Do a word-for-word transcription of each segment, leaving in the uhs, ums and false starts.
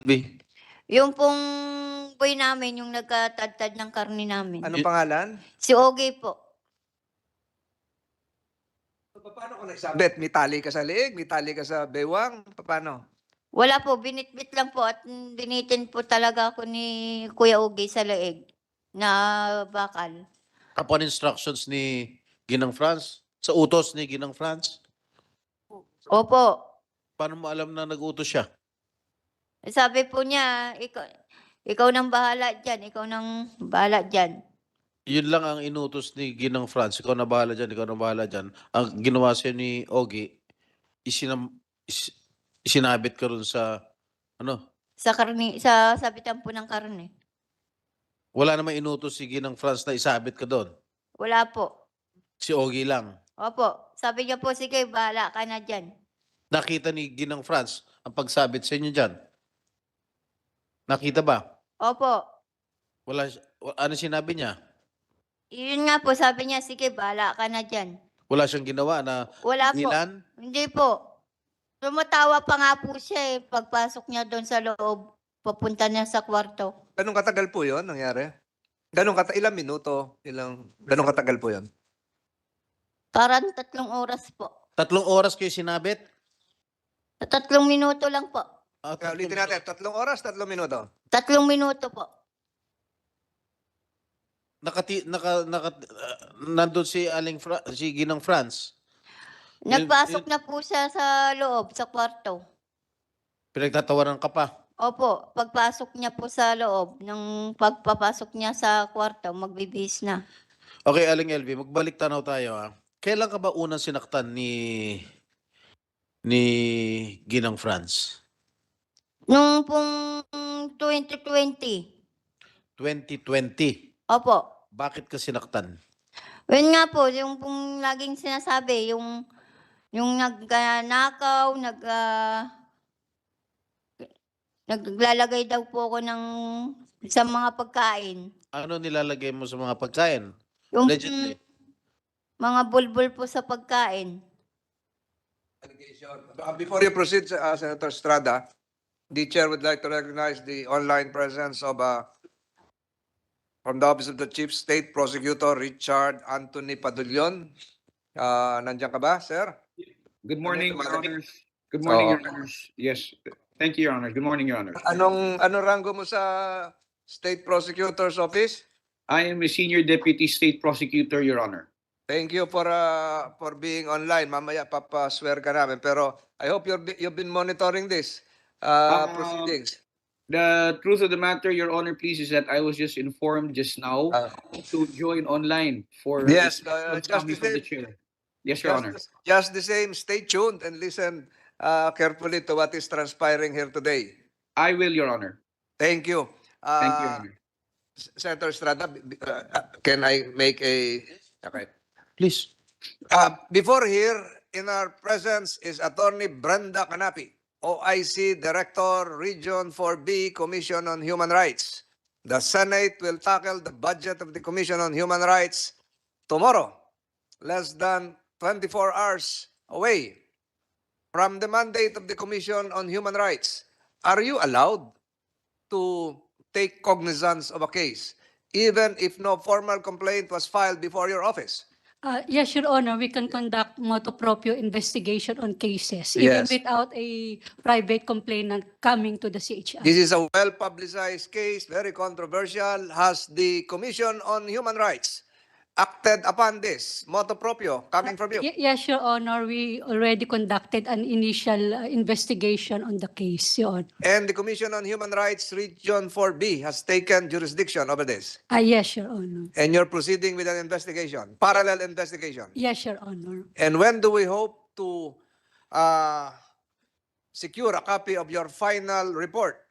B. Yung pong boy namin, yung nagkatadtad ng karne namin. Anong Y- pangalan? Si Ogie po. Paano kung nagsabit? May tali ka sa leeg, may tali ka sa bewang, paano? Wala po, binitbit lang po at binitin po talaga ako ni Kuya Ogie sa leeg na bakal. Upon instructions ni Ginang France? Sa utos ni Ginang France? Opo. Paano mo alam na nag-utos siya? Sabi po niya, ikaw, ikaw nang bahala dyan, ikaw nang bahala dyan. Yun lang ang inutos ni Ginang France. Ikaw na bahala dyan, ikaw na bahala dyan. Ang ginawa sa'yo ni Ogie, isinam, is, isinabit ka rin sa, ano, Sa karne, sa sabitan po ng karne. wala namang inutos si Ginang France na isabit ka doon. Wala po. Si Ogie lang. Opo. Sabi niya po, sige, bahala ka na dyan. Nakita ni Ginang France ang pagsabit sa inyo dyan. Nakita ba? Opo. Wala, ano sinabi niya? Yun nga po, sabi niya, sige, bahala ka na dyan. Wala siyang ginawa na Wala po. ilan? Hindi po. Tumatawa pa nga po siya eh, pagpasok niya doon sa loob, papunta niya sa kwarto. Ganong katagal po yon nangyari? Ganong kata ilang minuto? Ilang, ganong katagal po yon? Parang tatlong oras po. Tatlong oras kayo sinabit? Tatlong minuto lang po. Ah, Kaya tatlong- ulitin natin, tatlong oras, tatlong minuto. Tatlong minuto po. Nakati, naka, naka, uh, nandun si Aling Fra, si Ginang France. Yun- Nagpasok yun- na po siya sa loob, sa kwarto. Pinagtatawaran ka pa. Opo, pagpasok niya po sa loob, nung pagpapasok niya sa kwarto, magbibihis na. Okay, Aling L V, magbalik tanaw tayo ha. Kailan ka ba unang sinaktan ni ni Ginang France? Nung pong twenty twenty. twenty twenty. Opo. Bakit ka sinaktan? Yun nga po, yung pong laging sinasabi, yung yung nagnakaw, nag ah, naglalagay daw po ako ng sa mga pagkain. Ano nilalagay mo sa mga pagkain? Yung Allegedly. mga bulbul po sa pagkain. Uh, Before you proceed, uh, Senator Estrada, the chair would like to recognize the online presence of uh, from the Office of the Chief State Prosecutor Richard Anthony Padulion. Uh, nandiyan ka ba, sir? Good morning, Your Maraming- Honors. Good morning, Oo. Your Honors. Yes, thank you, Your Honor. Good morning, Your Honor. Anong anong rango mo sa State Prosecutor's Office? I am a Senior Deputy State Prosecutor, Your Honor. Thank you for uh, for being online. Mamaya papaswear ka namin. Pero I hope you're, you've been monitoring this uh, Um, proceedings. The truth of the matter, Your Honor, please, is that I was just informed just now Uh, to join online for Yes, a uh, response just coming the from the same. chair. Yes, Your Honor. Just, just the same, stay tuned and listen uh, carefully to what is transpiring here today. I will, Your Honor. Thank you. Uh, Thank you, Your Honor. Senator Estrada, b- b- uh, uh, can I make a... Okay. Please. Uh, before here, in our presence is Attorney Brenda Canapi, O I C Director, Region four B, Commission on Human Rights. The Senate will tackle the budget of the Commission on Human Rights tomorrow, less than twenty-four hours away from the mandate of the Commission on Human Rights. Are you allowed to take cognizance of a case, even if no formal complaint was filed before your office? Uh, Yes, Your Honor, we can conduct motu proprio investigation on cases, even Yes. without a private complainant coming to the C H R. This is a well-publicized case, very controversial. Has the Commission on Human Rights acted upon this motu proprio coming from you? Ye- Yes, Your Honor, we already conducted an initial uh, investigation on the case, Your Honor. And the Commission on Human Rights Region four B has taken jurisdiction over this. Ah, yes, Your Honor. And you're proceeding with an investigation, parallel investigation. Yes, Your Honor. And when do we hope to uh, secure a copy of your final report?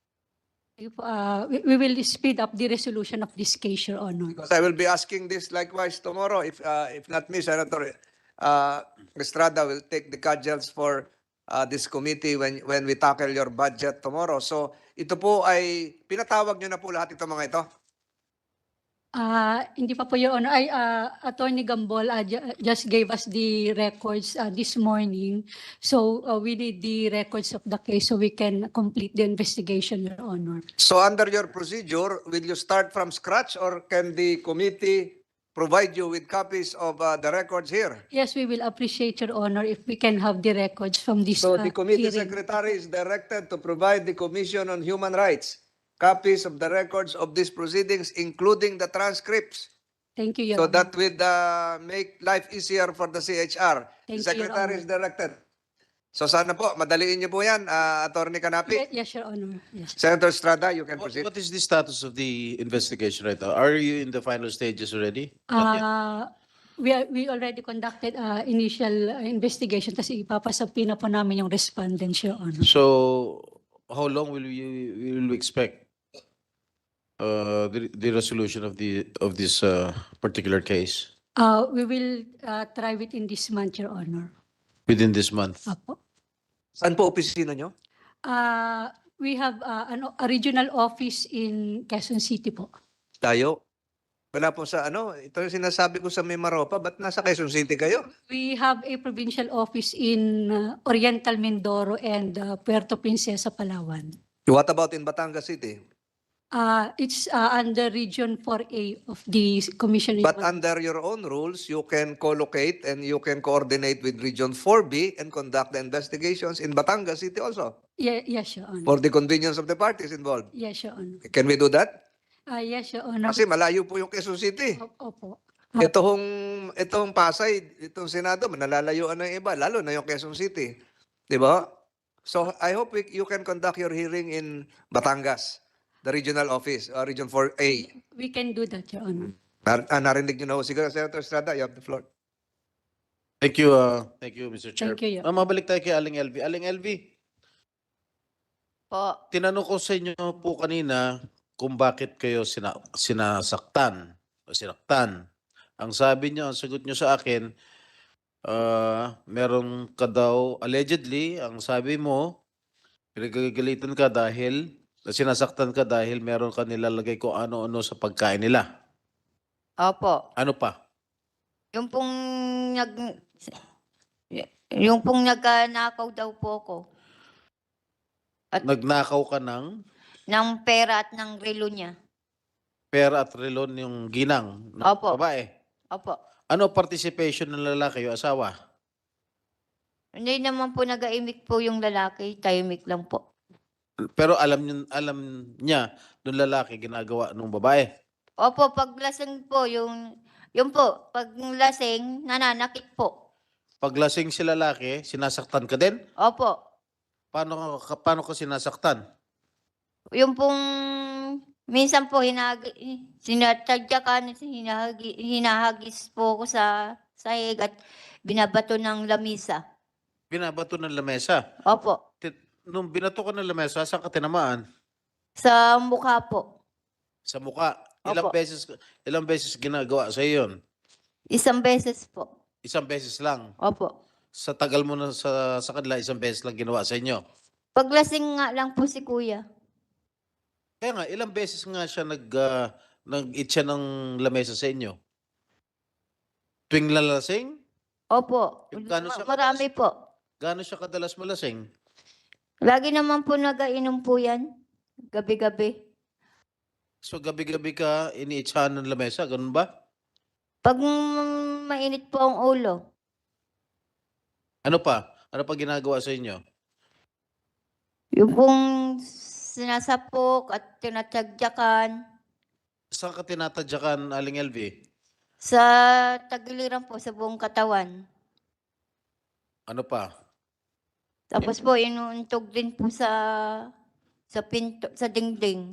If, uh, we, we will speed up the resolution of this case, Your Honor. Because I will be asking this likewise tomorrow. If uh, if not me, Senator uh, Estrada will take the cudgels for uh, this committee when when we tackle your budget tomorrow. So ito po ay pinatawag nyo na po lahat itong mga ito. Ah, hindi pa po, Your Honor. Ay, ah, Attorney Gambol ah, ju- just gave us the records ah, this morning. So ah, we need the records of the case so we can complete the investigation, Your Honor. So under your procedure, will you start from scratch or can the committee provide you with copies of uh, the records here? Yes, we will appreciate, Your Honor, if we can have the records from this So ah, the committee hearing. secretary is directed to provide the Commission on Human Rights copies of the records of these proceedings, including the transcripts. Thank you, Your So Honor. that would uh, make life easier for the C H R. The Thank you, Your secretary Honor. is directed. So sana po, madaliin niyo po yan, uh, Attorney Canapi. Ye- Yes, Your Honor. Yes. Senator Estrada, you can What, proceed. what is the status of the investigation right now? Are you in the final stages already? Not yet. Uh, we are, we already conducted uh, initial uh, investigation kasi ipapasabi na po namin yung respondents, Your Honor. So, how long will you will we expect uh, the, the resolution of the of this uh, particular case Uh, we will uh, try within this month, Your Honor. within this month? Apo. Saan po opisina nyo? Uh, we have uh, ano, a regional office in Quezon City po. Tayo. Wala po sa ano, ito yung sinasabi ko sa Mimaropa, ba't nasa Quezon City kayo? We have a provincial office in uh, Oriental Mindoro and uh, Puerto Princesa, Palawan. What about in Batangas City? Uh, it's uh, under Region four A of the Commission. on But Human- under your own rules, you can co-locate and you can coordinate with Region four B and conduct the investigations in Batangas City also Ye- yes, Your Honor. for the convenience of the parties involved. Yes, Your Honor. Can we do that? Ah, yes, Your Honor. Kasi malayo po yung Quezon City. O- Opo. Itong, itong Pasay, itong Senado, nalalayuan ng iba, lalo na yung Quezon City. Di ba? So I hope we, you can conduct your hearing in Batangas, the regional office, uh, Region four A. We can do that, Your Honor. Nar ah, narinig nyo na ho. Siguro, Senator Estrada, you have the floor. Thank you, uh, thank you, Mister Chair. Thank you, Your Ah, mabalik tayo kay Aling L V. Aling L V, Po. tinanong ko sa inyo po kanina kung bakit kayo sina sinasaktan o sinaktan. Ang sabi niyo, ang sagot niyo sa akin, ah, meron ka daw, allegedly, ang sabi mo, pinagagalitan ka dahil, sinasaktan ka dahil meron ka nilalagay kung ano-ano sa pagkain nila. Opo. Ano pa? Yung pong nag yung pong nagnakaw daw po ko Nagnakaw ka ng ng pera at ng relo niya. pera at relon yung ginang ng Opo. babae. Opo. Ano participation ng lalaki o asawa? Hindi naman po nag-aimik po yung lalaki, tahimik lang po. Pero alam niya, alam niya nung lalaki ginagawa nung babae. Opo, pag lasing po yung yung po, pag lasing nananakit po. Pag lasing si lalaki, sinasaktan ka din? Opo. Paano ka, paano ka sinasaktan? Yung pong minsan po hinagi sinatadyakan, hinahagi, hinahagis po ko sa sahig at binabato ng lamisa. Binabato ng lamesa. Opo. Ti- Nung binato ka ng lamesa, saan ka tinamaan? Sa mukha po. Sa mukha. Ilang Opo. beses ilang beses ginagawa sa iyo 'yon? Isang beses po. Isang beses lang. Opo. Sa tagal mo na sa sa kanila, isang beses lang ginawa sa inyo. Paglasing nga lang po si kuya. Kaya nga, ilang beses nga siya nag, ah, nag-eat siya ng lamesa sa inyo? Tuwing lalasing? Opo. Yung gano'n siya Ma- Marami po. Gaano siya kadalas malasing? Lagi naman po nag-ainom po yan. Gabi-gabi. So gabi-gabi ka iniitsahan ng lamesa, ganun ba? Pag mm, mainit po ang ulo, Ano pa? Ano pa ginagawa sa inyo? yung pong sinasapok at tinatagyakan Saan ka tinatadyakan, Aling L V? sa tagiliran po sa buong katawan. Ano pa? Tapos po inuuntog din po sa sa pinto, sa dingding.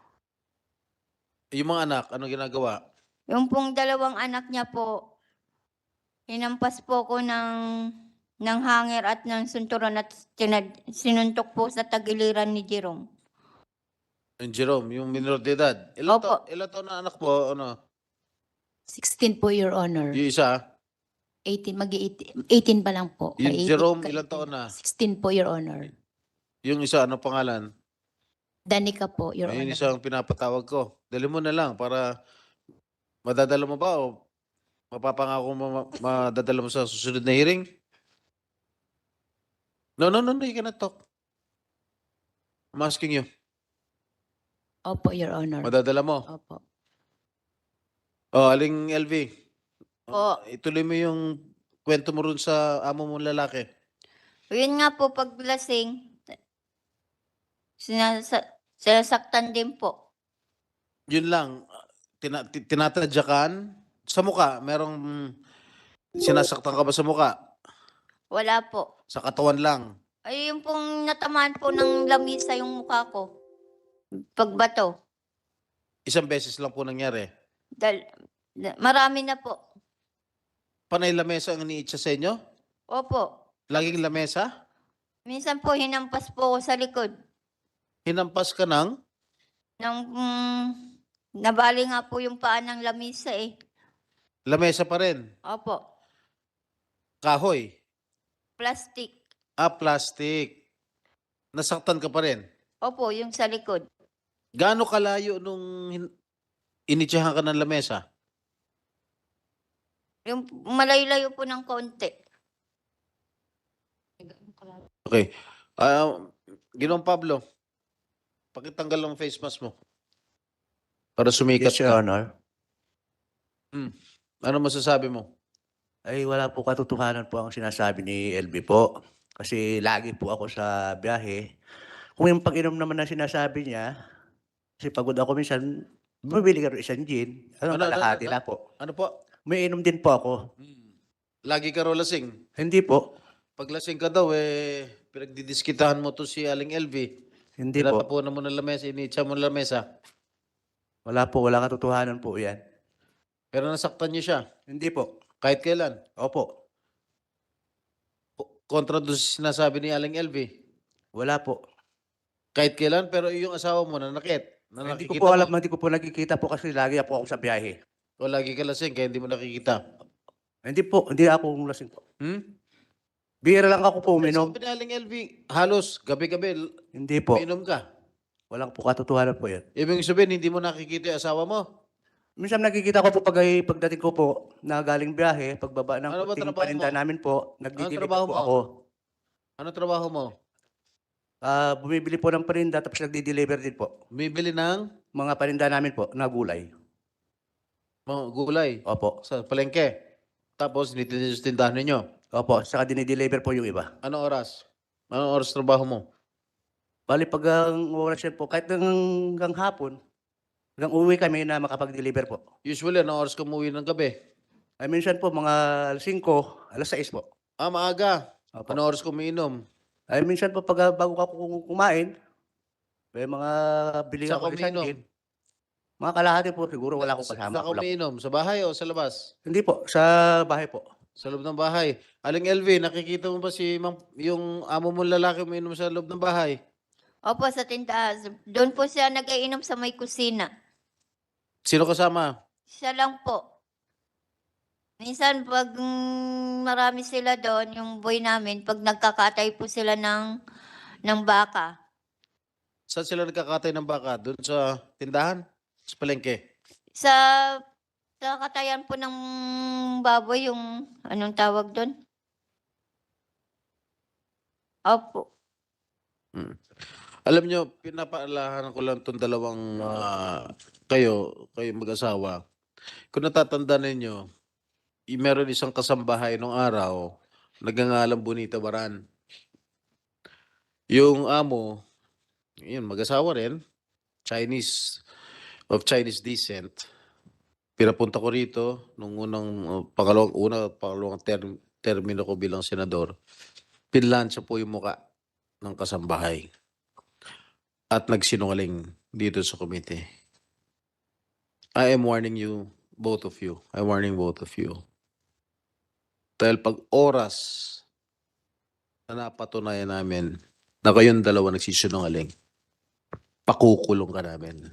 Yung mga anak, ano ginagawa? Yung pong dalawang anak niya po, hinampas po ko ng ng hanger at ng sunturon at tinad, sinuntok po sa tagiliran ni Jerome. Yung Jerome, yung minor de edad. Ilan, Opo. ta- ilan taon na anak mo? Ano? sixteen po, Your Honor. Yung isa? eighteen, mag-eighteen eighteen pa lang po. Yung Ka- Jerome, ka- ilang taon na? sixteen po, Your Honor. Yung isa, ano pangalan? Danica po, Your Ayun Honor. isang pinapatawag ko. Dali mo na lang para Madadala mo ba o mapapangako mo ma- madadala mo sa susunod na hearing? No, no, no, no, you cannot talk. I'm asking you. Opo, Your Honor. Madadala mo? Opo. Oh, Aling L V. Po. Ituloy mo yung kwento mo rin sa amo mong lalaki. Yun nga po, pag lasing, sinasa sinasaktan din po. Yun lang. Tina, ti- tinatadyakan sa muka. Merong sinasaktan ka ba sa muka? Wala po. Sa katawan lang. Ay, yung pong natamaan po ng lamisa yung mukha ko. Pagbato. Isang beses lang po nangyari. Dal da- marami na po. Panay lamesa ang iniitsa sa inyo? Opo. Laging lamesa? Minsan po hinampas po ako sa likod. Hinampas ka ng? Nang mm, nabali nga po yung paa ng lamisa eh. Lamesa pa rin. Opo. Kahoy. Plastic. Ah, plastic. Nasaktan ka pa rin. Opo, yung sa likod. Gaano kalayo nung hin- initsahan ka ng lamesa? Yung malayo-layo po ng konti. Okay. Ah, Ginoong Pablo, pakitanggal ang face mask mo. Para sumikat Yes, Your ka. Honor. Ano masasabi mo? Ay wala po katotohanan po ang sinasabi ni L B po. Kasi lagi po ako sa biyahe. Kung yung pag-inom naman na sinasabi niya, kasi pagod ako minsan, bumibili ka rin isang gin. Ano, Ano, ano, kalahati ano? na po. Ano po? May inom din po ako. Lagi ka raw lasing. Hindi po. Pag lasing ka daw, eh, pinagdidiskitahan mo to si Aling L V. Hindi po. Tinatapunan mo ng lamesa, initsa mo ng lamesa. Wala po. Wala katotohanan po yan. Pero nasaktan niyo siya. Hindi po. Kahit kailan. Opo. Ko- Kontra doon sa sinasabi ni Aling L V. Wala po. Kahit kailan, pero yung asawa mo nanakit. Na Hindi ko nakikita po mo. alam, hindi ko po nakikita po kasi lagi po ako sa biyahe. O lagi ka lasing, kaya hindi mo nakikita. Hindi po. Hindi ako lasing po. Hmm? Bihira lang ako po uminom. Sabi ni Aling L V, halos gabi-gabi, l- Hindi po. uminom ka. Walang po katotohanan po yan. Ibig sabihin, hindi mo nakikita yung asawa mo. Minsan nakikita ko po pag ay- pagdating ko po na galing biyahe, pagbaba ng Ano ba puting trabaho paninda mo? namin po, nagdi-deliver trabaho po mo? ako. Ano trabaho mo? Ah, bumibili po ng paninda tapos nagdi-deliver din po. Bumibili ng Mga paninda namin po na gulay. mga gulay Opo. sa palengke. Tapos, nitinis sa tindahan ninyo. Opo, saka dinideliver po yung iba. Anong oras? Anong oras trabaho mo? Bali pag ang oras yan po, kahit hanggang hapon, hanggang uwi kami na makapag-deliver po. Usually, anong oras ka umuwi ng gabi? Ay minsan po mga alas singko, alas sais po. Ah, maaga. Opo. Anong oras ka umiinom? Ay minsan po pag ah, bago ka kum- kumain, may mga bili Saan ako ka ng isang umiinom? gin. Mga kalahati po siguro wala akong Sa- kasama. Saan ka Wala- umiinom? Sa bahay o sa labas? Hindi po, sa bahay po. Sa loob ng bahay. Aling L V, nakikita mo ba si Mang, yung amo mong lalaki umiinom sa loob ng bahay? Opo, sa tindahan. Doon po siya nag-iinom sa may kusina. Sino kasama? Siya lang po. Minsan pag mm, marami sila doon, yung boy namin, pag nagkakatay po sila ng, ng baka. Saan sila nagkakatay ng baka? Doon sa tindahan? Sa palengke? Sa, sa katayan po ng baboy, yung anong tawag doon? Opo. Alam nyo, pinapaalahan ko lang itong dalawang ah, kayo, kayo mag-asawa. Kung natatanda ninyo, y- meron isang kasambahay nung araw, nagngangalang Bonita Baran. Yung amo, yun, mag-asawa rin, Chinese, of Chinese descent. Pinapunta ko rito nung unang, uh, pangalawang, una, pangalawang term, termino ko bilang senador. Pinlansya po yung muka ng kasambahay. At nagsinungaling dito sa committee. I am warning you, both of you. I'm warning both of you. Dahil pag oras na napatunayan namin na kayong dalawa nagsisinungaling, pakukulong ka namin.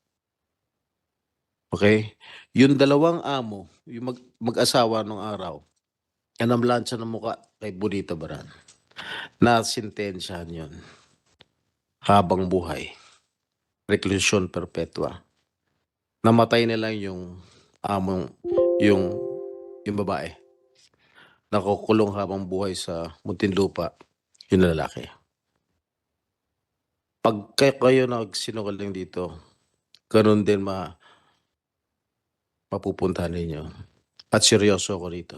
Okay? Yung dalawang amo, yung mag- mag-asawa nung araw, yan ang lansya ng muka kay Bonita Baran. Nasintensyahan yun. Habang buhay. Reclusion perpetua. Namatay na lang yung among yung yung babae. Nakukulong habang buhay sa Muntinlupa yung lalaki. Pag kay- kayo nagsinungaling dito, ganun din ma mapupuntahan ninyo. At seryoso ako rito.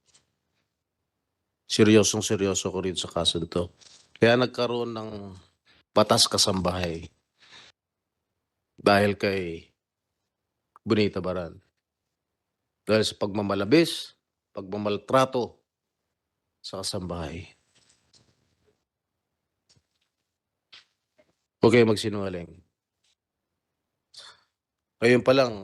Seryosong seryoso ko rito sa kaso nito. Kaya nagkaroon ng batas kasambahay dahil kay Bonita Baran. Dahil sa pagmamalabis, pagmamaltrato sa kasambahay. Huwag kayo magsinungaling. Ngayon pa lang,